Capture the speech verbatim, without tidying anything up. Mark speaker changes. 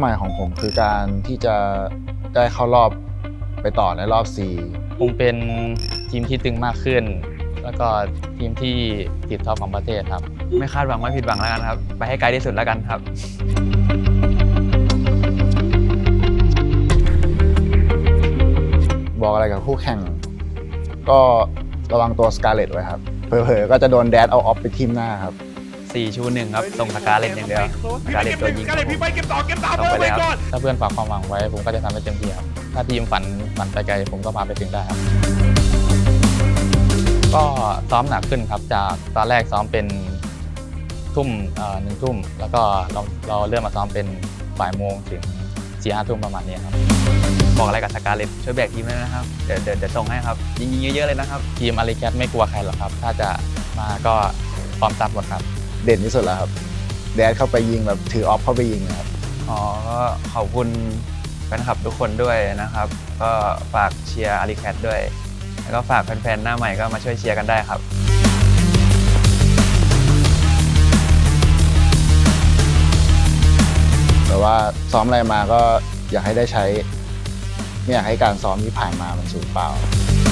Speaker 1: หมายของผมคือการที่จะได้เข้ารอบไปต่อในรอบ C
Speaker 2: คงเป็นทีมที่ตึงมากขึ้น แล้วก็ทีมที่ติดท็อปของประเทศครับ
Speaker 3: ไม่คาดหวังไม่ผิดหวังแล้วกันครับไปให้ไกลที่สุดแล้วกันครับ
Speaker 1: บอกอะไรกับคู่แข่งก็ระวังตัวสกาเลตไว้ครับเผลอๆก็จะโดนแดดเอาออฟไปทีมหน้าครับ
Speaker 3: สี่ชูหนึ่งครับส่งสกาเลตอย่างเดียวสกาเลตตัวยิงครับผม
Speaker 4: เก็บต่อเก็บต่อ
Speaker 3: ส่งไปเลยครับ
Speaker 2: ถ้าเพื่อนฝากความหวังไว้ผมก็จะทำให้เต็มที่ครับถ้าทีมฝันฝันไปไกลผมก็พาไปถึงได้ครับก็ซ้อมหนักขึ้นครับจากตอนแรกซ้อมเป็นทุ่มหนึ่งทุ่มแล้วก็เราเราเริ่มมาซ้อมเป็นบ่ายโมงถึงสี่ห้าทุ่มประมาณนี้ครับ
Speaker 3: บอกอะไรกับสกาเลตช่วยแบกทีมด้วยนะครับเดี๋ยวเดี๋ยวเดี๋ยวส่งให้ครับยิงยิงเยอะๆเลยนะครับ
Speaker 2: ทีมอาริแคทไม่กลัวใครหรอกครับถ้าจะมาก็พร้อมตัดหมดครับ
Speaker 1: เด่นที่สุดแล้วครับแดดเข้าไปยิงแบบถือออฟเข้าไปยิงนะครับ
Speaker 3: อ๋อก็ขอบคุณแฟนคลับทุกคนด้วยนะครับก็ฝากเชียร์อาริแคทด้วยแล้วก็ฝากแฟนๆหน้าใหม่ก็มาช่วยเชียร์กันได้ครับ
Speaker 1: แต่ว่าซ้อมอะไรมาก็อยากให้ได้ใช้ไม่อยากให้การซ้อมที่ผ่านมามันสูญเปล่า